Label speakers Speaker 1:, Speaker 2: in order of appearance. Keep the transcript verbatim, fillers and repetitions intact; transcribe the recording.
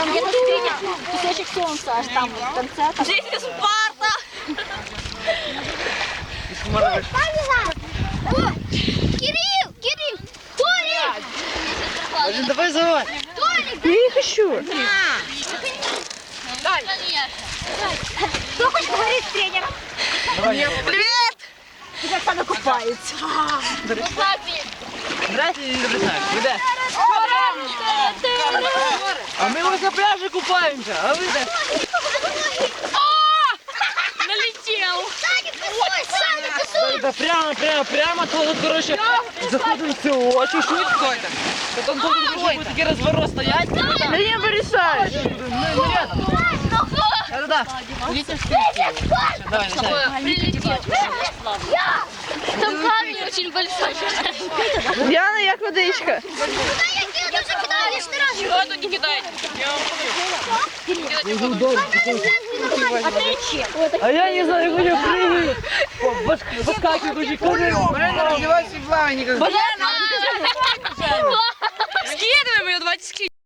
Speaker 1: Там где-то скриня, кусочек солнца аж там в конце. Там...
Speaker 2: Жизнь Спарта!
Speaker 1: Кирилл! Кирилл! Толик!
Speaker 3: Один, давай завай.
Speaker 1: Толик!
Speaker 4: Я не хочу.
Speaker 1: Кто хочет говорить с тренером?
Speaker 2: Привет!
Speaker 1: Как она купается.
Speaker 3: Брать или не брать? Куда? А мы вот на пляже купаемся, а вы да?
Speaker 2: Налетел!
Speaker 1: Саня, кусай! Саня, кусай!
Speaker 3: Да прямо, прямо, прямо, то вот, короче, заходим в село, чуть-чуть какой-то. Потом тут будет такой разворот стоять.
Speaker 4: Да не вырезай.
Speaker 3: Ну, рядом. Да-да-да. Идите в стенку. Давай, начинай.
Speaker 2: Прилетел. Там камень очень большой.
Speaker 4: Діана, як водичка?
Speaker 1: Куда я кину? Ты же кидал лишний раз.
Speaker 2: Чего тут не кидать?
Speaker 1: А ты чем?
Speaker 3: А я не знаю, я прыгаю. Выскакиваю, очень козырь.
Speaker 5: Блин, раздевайся в плавание.
Speaker 2: Скидываем ее, давайте скидываем.